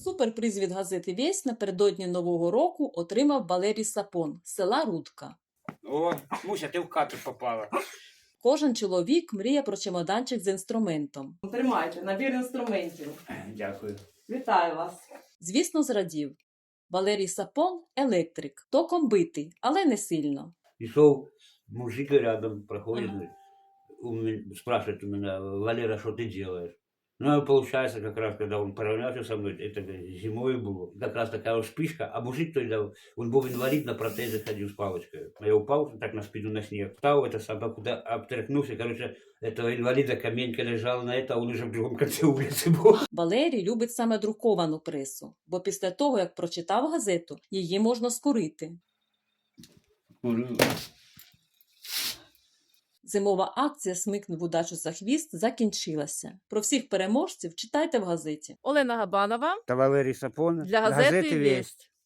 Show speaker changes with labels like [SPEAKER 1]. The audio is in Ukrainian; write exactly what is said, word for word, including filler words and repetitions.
[SPEAKER 1] Суперприз від газети «Вість» напередодні Нового року отримав Валерій Сапон з села Рудка.
[SPEAKER 2] О, Муся, ти в хату попала.
[SPEAKER 1] Кожен чоловік мріє про чемоданчик з інструментом. Тримайте, набір інструментів.
[SPEAKER 2] Дякую.
[SPEAKER 1] Вітаю вас. Звісно, зрадів. Валерій Сапон – електрик, током битий, але не сильно.
[SPEAKER 3] Пришел мужик рядом, проходит, говорит, у меня- спрашивает у меня: Валера, что ты делаешь? Ну, и получается, как раз, когда он поравнялся со мной, это зимой было, как раз такая вспышка, а мужик тогда, он был инвалид, на протезе ходил с палочкой. Я упал так на спину на снег, встал, это сам куда обтряхнулся, короче, этого инвалида каменька лежала на это, а он уже в другом конце улицы был.
[SPEAKER 1] Валерій любить саме друковану пресу, бо після того, як прочитав газету, її можна скурити. Зимова акція «Смикнув удачу за хвіст» закінчилася. Про всіх переможців читайте в газеті.
[SPEAKER 4] Олена Габанова
[SPEAKER 2] Та Валерій Сапон.
[SPEAKER 4] для газети «Вість».